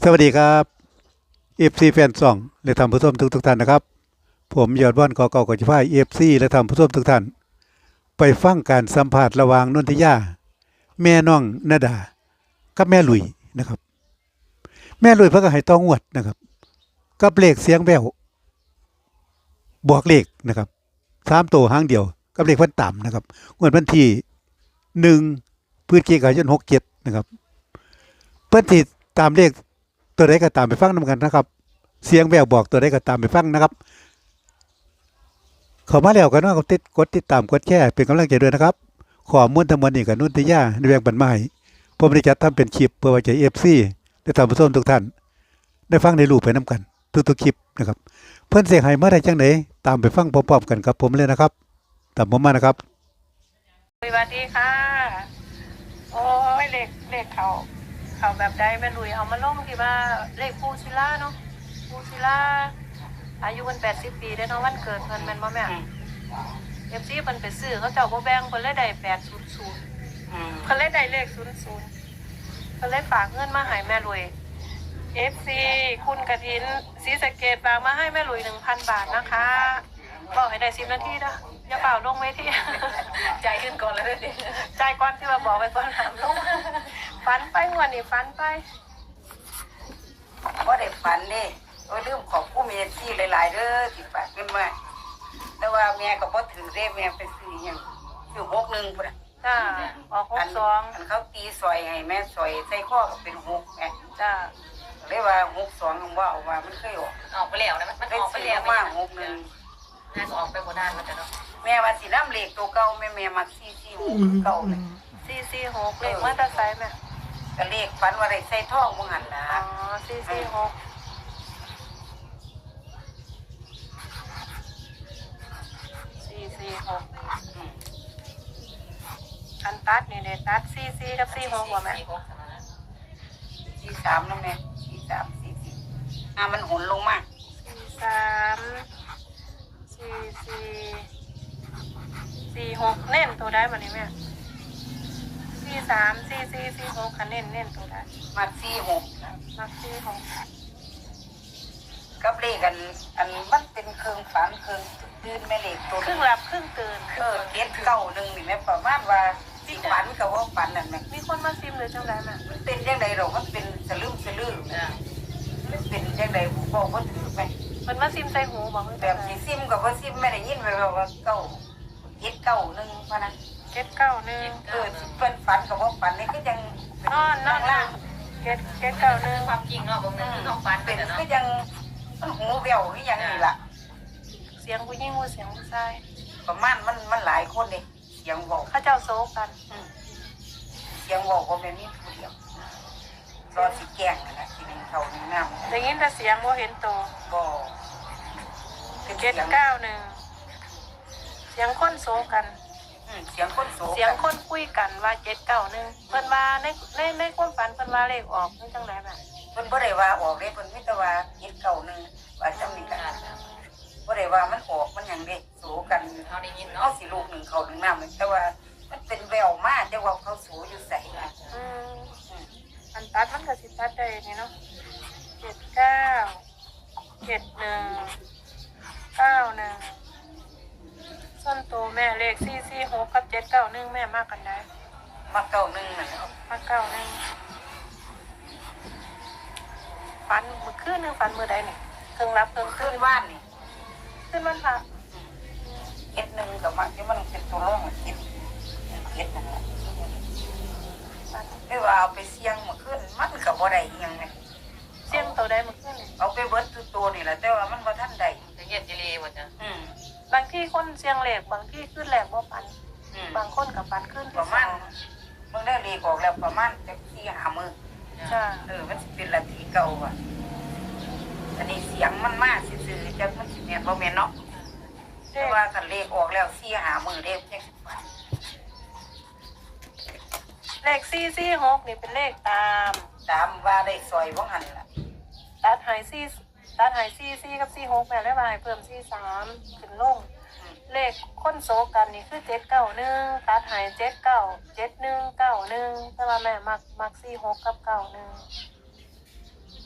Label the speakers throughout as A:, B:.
A: สวัสดีครับเอฟซีแฟนซองและท่านผู้ชมทุกท่านนะครับผมยอดว่านกอเก่ากับจิพายเอฟซีและท่านผู้ชมทุกท่านไปฟังการสัมภาษณ์ระหว่างนนทิยาแม่น้องนาดากับแม่ลุยนะครับแม่ลุยเพิ่งก็ให้ต้องงวดนะครับกับเลขเสียงแววบอกเลขนะครับ3 ตัวหางเดียวกับเลขพันต่ำนะครับงวดวันที่1 พฤศจิกายน 67นะครับเพิ่นสิตามเลขตัวใดก็ตามไปฟังนำกันนะครับเสียงแววบอกตัวใดก็ตามไปฟังนะครับเข้ามาแล้วก็น้องกดติดตามกดแชร์เป็นกำลังใจด้วยนะครับข้อมูลทั้งหมดนี่ก็นุนทิยาในแบ่งปันมาให้ผมได้จัดทำเป็นคลิปเพื่อไว้ใจ FC และท่านผู้ชมทุกท่านได้ฟังได้รู้ไปนํกันทุกๆคลิปนะครับเพิ่นสิให้มาได้จังได๋ตามไปฟังพร้อมๆกันกับผมเลยนะครับตามผมมานะครับ
B: สวัสดีค่ะโอ้ยเลขเขาแบบใดแม่ลุยเอามาลงที่ว่าเลขปูชิล่าเนาะปูชิล่าอายุมัน80 ปีได้เนาะวันเกิดเพิ่นแม่นบ่แม่FCเพิ่นไปซื้อเขาเจ้าบ่แบ่งเพิ่นเลยได้800เพิ่นเลยได้เลข00เพิ่นเลยฝากเงินมาให้แม่ลุย FC คุณกฐินศรีสะเกษฝากมาให้แม่ลุย 1,000 บาทนะคะบอกให้ได้10 นาทีเด้ออย่าเปล่าลงเวทีใจขึ้นก่อนแล้วดิใจก่อนที่ว่าบอกไปก่อนถามลงฝันไปงวดนี้ฝันไป
C: ว่าได้ฝันเด้โอ้ยลืมขอบผู้มีที่หลายๆเด้อที่ฝากเงินมาแต่ว่าแม่ก็บ่ถือเด้แม่ไปซื้อหยังซื้อ61พุ่นน่ะ
B: จ้าออก62
C: อันเขาตีซอยให้แม่ซอยใส่ข้อก็เป็น6แม่
B: จ้า
C: เลยว่า62มันว่าเอาว่ามันเคย
D: ออกไปแล้วนะมันออกไปแล้ว
C: มา61
D: น่าจะออกไปบ่ได้มันจะเนาะ
C: แม่ว่าสินำเลขตัวเก่าแม่มัก446เก่าเลย
B: 446เลขมอเตอร์ไซค์แม่
C: ก็เลขฝันว่าได้ใส่ทองบ่หั่นล่ะ
B: อ๋อ446 อันตัดนี่เนี่ยตัด44กับ46ว่าแม่
C: 43นะแม่43 44มันหุนลงมา
B: 43 44 46เน้นตัวได้บ่นี่แม่43 44 46คันเน้นตัวได้
C: มัก46
B: มัก46
C: กับเลขอันมันเป็นเครื่องฝันเครื่องตื่นแม่เลขตัว
B: ครึ่งหลับครึ่งตื่น
C: เก็ดเก่าหนึ่งนี่แม่ประมาณว่าสิฝันกับว่าฝันนั่นแม่
B: มีคนมาซิมเลยจังได๋แม่
C: มันเป็นจังได๋หรอกมันเป็นสลึมมันเป็นจังได๋บอกบ่ถูกแม่
B: มันมาซิมใส่หูบ่
C: แบบสิซิมกับว่าซิมไม่ได้ยินไว้ว่าเก่าเก็ดเก่าหนึ่งพะนะ
B: เก็ดเก่าหนึ่ง
C: สิเพิ่นฝันกับว่าฝันนี่คือจัง
B: นอนล่างเก็ดเก่าหนึ่ง
D: ความจริงเนาะบ่แม่นคือต้องฝัน
C: เป็นคือจังมันหูแว่วคือหยังนี่ล่ะ
B: เสียงผู้หญิงเสียงผู้ชาย
C: ประมาณมันหลายคนเด้เสียงเว้า
B: เขาเจ้าโซกัน
C: เสียงเว้าบ่แม่นมีผู้เดียวรอสิแกล้งนั่นน่ะสิเป็นเขาในน้ำ
B: ได้ยินแต่เสียงบ่เห็นตัว
C: บ่
B: เก็ดเก้าหนึ่งเสียงคนโซกัน
C: เสียงคนโซ
B: เสียงคนคุยกันว่า791เพิ่นว่าในความฝันเพิ่นว่าเลขออกนี่จังได๋แม่
C: เพิ่นบ่ได้ว่าออกเด้เพิ่นมีแต่ว่า791ว่าจังนี้ล่ะบ่ได้ว่ามันออกมันหยังเด้โซกัน
D: เฮาได้ยิน
C: เฮา
D: เนาะ
C: สิลูกหนึ่งเขาหนึ่งน้ำแต่ว่ามันเป็นแววมาแต่ว่าเขาโซอยู่ไส
B: อันตัดมันก็สิตัดได้นี่เนาะ79 71 91ส่วนตัวแม่เลข446กับ791แม่มากกันได้
C: มาเก่าหนึ่งนั่น
B: มา91ฝันมื้อคืนนึงฝันมื้อใดนี่เพิ่งรับเพิ่ง
C: ขึ้นว่านนี่
B: ขึ้นวันพระ
C: เฮ็ดหนึ่งกับมันที่มันเป็นตัวร่องเฮ็ดนั่นแหละไม่ว่าเอาไปเสี่ยงมาขึ้นมันก็บ่ได้อีหยังไง
B: เสี่ยงตัวใดมื้อคืนนี่
C: เอาไปเบิดตัวนี่แหละแต่ว่ามันบ่ทันได้
D: จะเฮ็ดจิลีบ่จ้ะ
B: บางที่คนเสี่ยงเลขบางที่ขึ้นแรงบ่ปันบางคนกับปันขึ้น
C: ประมาณมึงได้เลขออกแล้วประมาณจัก4-5 มื้อ
B: จ้ะ
C: มันสิเป็นละทีเก่าว่ะอันนี้เสียงมันมากซื่อๆจักมันสิแม่นบ่แม่นเนาะแต่ว่าคันเลขออกแล้ว4-5 มื้อเด้จักสิฝัน
B: เลข446นี่เป็นเลขตาม
C: ว่าได้ซอยบ่หั่นล่ะ
B: ตัดหาย44กับ46แม่เลยว่าให้เพิ่ม43ขึ้นลงเลขคนโซกันนี่คือ791ตัดหาย79 71 91แต่ว่าแม่มัก46กับ91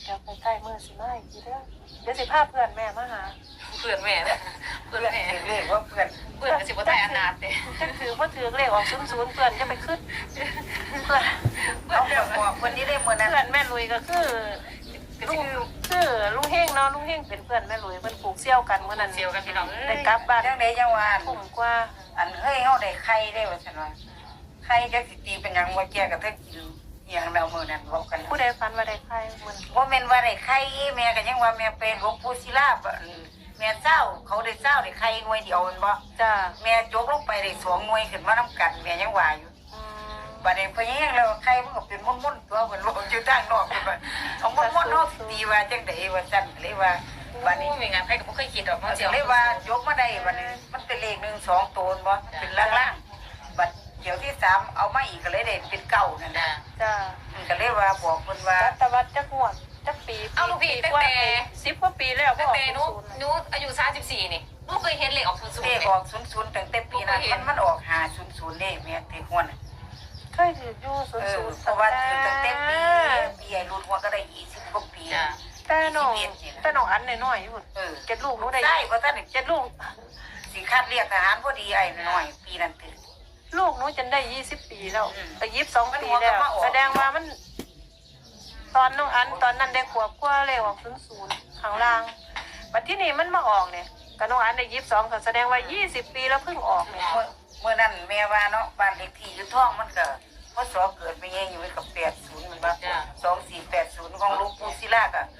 B: เดี๋ยวใกล้ๆมื้อสิมาอีกทีเด้อเดี๋ยวสิพาเพื่อนแม่มาหา
D: เพื่อนแม่นะเพื่อนแม่
C: เรียกว่าเพื่อน
D: เพื่อนก็สิบ่ได้อนาถเด้
B: จักถือบ่ถือเลขออก00เพื่อนจะไปขึ้นเพื่อน
C: เอาแบบบอกคนนี้ได้มื้อนั้น
B: เพื่อนแม่ลุยก็คือลุงคือลุงเฮงเนาะลุงเฮงเป็นเพื่อนแม่ลุยเพิ่นปลูกเซี่ยวกันมื้อนั้น
D: เซียวกันพี่น้อง
B: ได้กลับบ้าน
C: จังได๋จังว่า
B: ทุ่มกว่า
C: อันเฮ้ยเฮาได้ไข่ได้ว่าซั่นว่าไข่จักสิตีเป็นหยังบ่แก่ก็เทิงกินอีหยังแล้วมื้อนั้นบอกกัน
B: ผู้ใดฝันว่าได้ใครมัน
C: บ่แม่นว่าได้ไข่แม่ก็ยังว่าแม่เป็นหลวงปู่ศิลาแม่เจ้าเขาได้เจ้าได้ไข่หน่วยเดียวแม่นบ่
B: จ้า
C: แม่ยกลงไปได้2หน่วยขึ้นมานํกันแม่ยังว่าอยู่
B: อืม
C: บัดนี้เพิ่นยังแล้วไข่มันก็เป็นมุ่นๆตัวเพิ่นบอกอยู่ทางนอกเพิ่นว่าเอามุ่นๆเฮาสิตีว่าจังได๋ว่าซั่นเลยว่าบัดนี้
D: มีงานใครก็บ่เคยคิดดอก
C: มั
D: เนาะ
C: น
D: เซียว
C: เลยว่ายกมาได้บัดนี้มันเป็นเลข1 2ตัวบ่เป็นล่างๆบัดเดี๋ยวที่3เอามาอีกก็เลยได้เป็นเก้านั่น
D: จ้ะ
C: น่ะ
B: จ้า
C: มันก็เลยว่าบอกเพิ่นว่า
B: รัตวัดจักงวดจักปี
D: เอาลูกพี่ตั้ง
B: กว่า
D: แต่
B: 10กว่าปีแล้วบ่
D: ตั้ง
B: ออก
D: แต่หนู
B: 00
D: หนูอายุ34นี่หนูเคยเห็นเลขออก00
C: เลข
D: นี่
C: ออก00ตั้งแต่ปีนั้นมันออก500เลขแม่ที่หัวน่ะ
B: เคยถืออยู่00
C: เพราะว่าถือตั้งแต่ปีไอ้รุ่นหัวก็ได้20กว่าปี
D: จ้ะ
B: แต่น้องอันน้อยๆอยู่ เจ็ดลูกหนูได้
C: ใช่เพราะท่าน
B: เจ็ดลูก
C: สิคัดเรียกทหารพอดีไอ้น้อยปีนั้นตื่น
B: ลูกหนูจนได้20 ปีแล้ว
C: อืม
B: แต่22 ปีแล้ว
C: มันหัวก็มาออก
B: แสดงว่ามัน ตอนน้องอันตอนนั้นได้ขวบกว่าเลยออก00ข้างล่างบัดที่นี่มันมาออกเนี่ยกับน้องอันได้22ก็แสดงว่า20 ปีแล้วเพิ่งออกเนี่ย
C: เมื่อนั้นแม่ว่าเนาะบ้านเลขที่อยู่ท้องมันก็พศเกิดไปเองอยู่กับ80มันว่า2480ของหลูกปู่ศิลาก็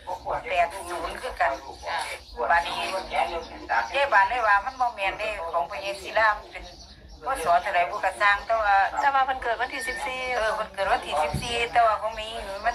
C: 80คือกันบ้านนี้เด้บ้านเลยว่ามันบ่แม่นเด้ของพระเยซูศิลามันเป็นพศเท่าไหร่บ่ก็สร้างแต่ว่า
B: แต่ว่าเพิ่นเกิดวันที่14
C: มันเกิดวันที่14แต่ว่าของมีมัน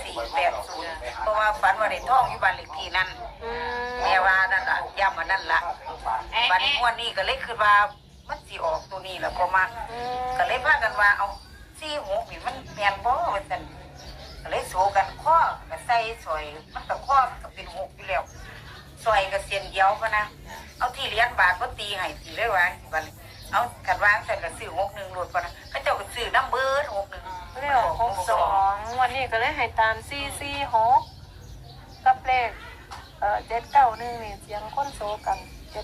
C: 2480เพราะว่าฝันว่าได้ท้องอยู่บ้านเลขที่นั้น
B: อืม
C: แม่ว่านั่นล่ะย้ำว่านั่นล่ะบัดนี้วันนี้ก็เลยคิดว่ามันสิออกตัวนี้แหละพอมา
B: อืม
C: ก็เลยพากันว่าเอา46นี่มันแม่นบ่ว่าซั่นก็เลยโซกันข้อก็ใส่ซอยมันก็ข้อมันก็เป็น6อยู่แล้วซอยก็เส้นเดียวพะนะเอาที่เหรียญบาทบ่ตีให้สิเลยว่าสิบัดนี้เอาคันวางซั่นก็ซื้อ61โลดพะนะเขาเจ้าก็ซื้อนำเบิด61
B: เลขออก62วันนี้ก็เลยให้ตาม446กับเลข791นี่เสียงคนโซกัน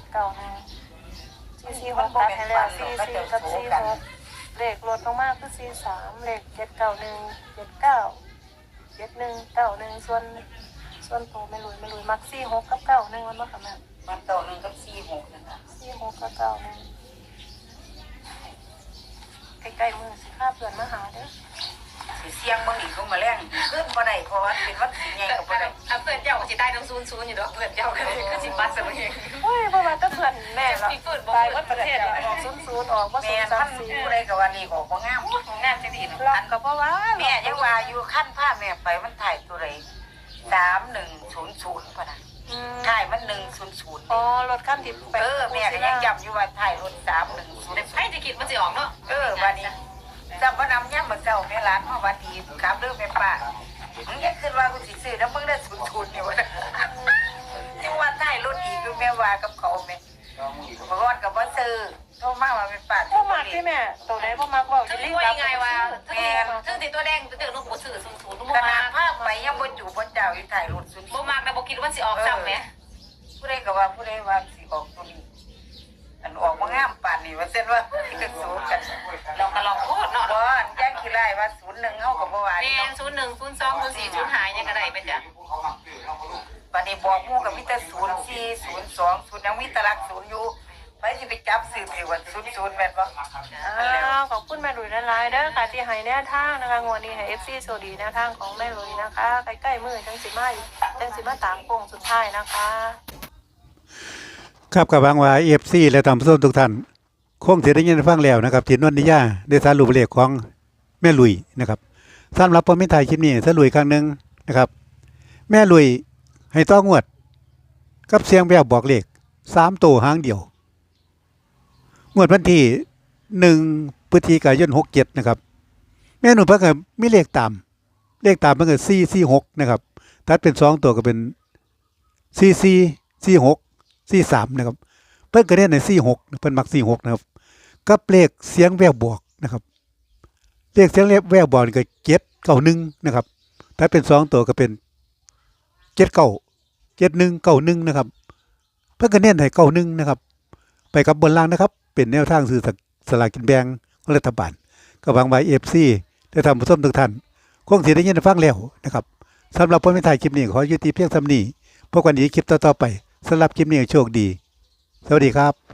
B: 791 446ตัดให้แล้ว44กับ46เลขลดลงมาคือ43เลข791 79 7191ส่วนโตไม่ลุยมัก46กับ91มันบ่ค่ะแม่
C: มันต่อ1กับ46นั่นน่ะ
B: 46กับ91ใกล้ๆมือสิพาเพื่อนมาหาเด้อ
C: สิเสียงเบิ่งอีกก็มาแรงขึ้นบ่ได้เพราะว่าเป็นวันที่ใหญ่ก็บ่ได้
D: เพื่อนเจ้าก็สิตายทั้ง00อยู่ดอกเพื่อนเจ้าก็สิปัดซะบ่เอง
B: โอ้ยเพราะว่าถ้าเพื่อนแม่ละตายวัดประเทศเนี่ยออก00ออกบ่
C: แม่ท่านผู้ใดก็ว่านี่ก็บ่งาม
D: งานจังซี่เนาะ
B: รักก็เพราะว่า
C: แม่ยังว่าอยู่ขั้นพาแม่ไปมันถ่ายตัวใด3100พุ่นน่ะถ่ายมัน100
B: อ๋อรถคันที่ไป
C: แม่ก็ยังจำอยู่ว่าถ่ายรถ
D: แต่
C: 310
D: ใครจะคิดมันสิออกเนาะ
C: บัดนี้จำบ่นำยามมื้อเช้าแม่ร้านมาวัดดีครับเด้อแม่ป้ามึงอยากขึ้นว่ากูสิซื้อนำมึงได้00นี่ว่าจังว่าถ่ายรถอีกคือแม่ว่ากับเขาแม่บ่ฮอดก็บ่ซื้อโทรมาว่าแม่ป้า
B: พ่อมักที่แม่ตัวไหนพ่อมักบอก
D: ถึ
B: จะ
D: ง
B: รีบ
D: ว่า
B: รับ
D: ยังไงว่าถึงติตัวแดงตัวลูกบ่ซื้อ00ลูก
C: ข
D: บ่
C: นา
D: มา
C: ดภาพไปยังบ่จูบ่เจ้าอยู่ถ่ายรถ00
D: บ่มากแต่บ่คิดว่าสิออกซ้ำแหม
C: ผู้ใดก็ว่าผู้ใดว่าสิออกตัวนี้อันออกมางามป่านนี้ว่าเส้นว่าจะสู้กัน
D: ลองก็ลองโคตรเนาะ
C: บ่ย่างขี้ไล่ว่า01เฮาก็บ่ว่า
D: แม่
C: เนาะ
D: น01 02 04 05ยังก็ได้ไปจ้ะ
C: บัดนี้บอกหมู่ก็มีแต่04 02 0ยังมีแตลัก0อยู่ไปสิไปจับซื้อไปว่า00แม่นบ่
B: ขอบคุณแม่ลุยหลายๆเด้อค่ะที่ให้แนวทางนะคะงวดนี้ให้ FC โซดีแนวทางของแม่ลุยนะคะใกล้ๆมือจังสิมาตามโค้งสุดท้ายนะคะ
A: ครับกับหวังว่า FC และท่านผู้ชมทุกท่านคงสิได้ยินได้ฟังแล้วนะครับที่นวลนิยาได้สรุปเลขของแม่ลุยนะครับสำหรับผมมีถ่ายคลิปนี้สรุปอีกครั้งหนึงนะครับ แม่ลุยให้ต้องวด กับเสียงแววบอกเลข3ตัวหางเดียวงวดวันที่1พฤศจิกายน67นะครับแม่หนุ่มเพิ่นก็มีเลขตามมันก็446นะครับถ้าเป็น2ตัวก็เป็น444643นะครับเพิ่นก็เน้นใน46เพิ่นมัก46นะครับกับเลขเสียงแววบอกนะครับเลขเสียงแววบอกนี่ก็791นะครับถ้าเป็น2ตัวก็เป็น 7191นะครับเพิ่นก็เน้นให้91นะครับไปกับบนล่างนะครับเป็นแนวทางซื้อสลากกินแบ่งรัฐบาลก็หวังว่า FC ได้ทำผู้ชมทุกท่านคงสิได้ยินได้ฟังแล้วนะครับสำหรับผมในถ่ายคลิปนี้ขอยุติเพียงเท่านี้พบกันอีกคลิปต่อๆไปสำหรับคลิปนี้โชคดีสวัสดีครับ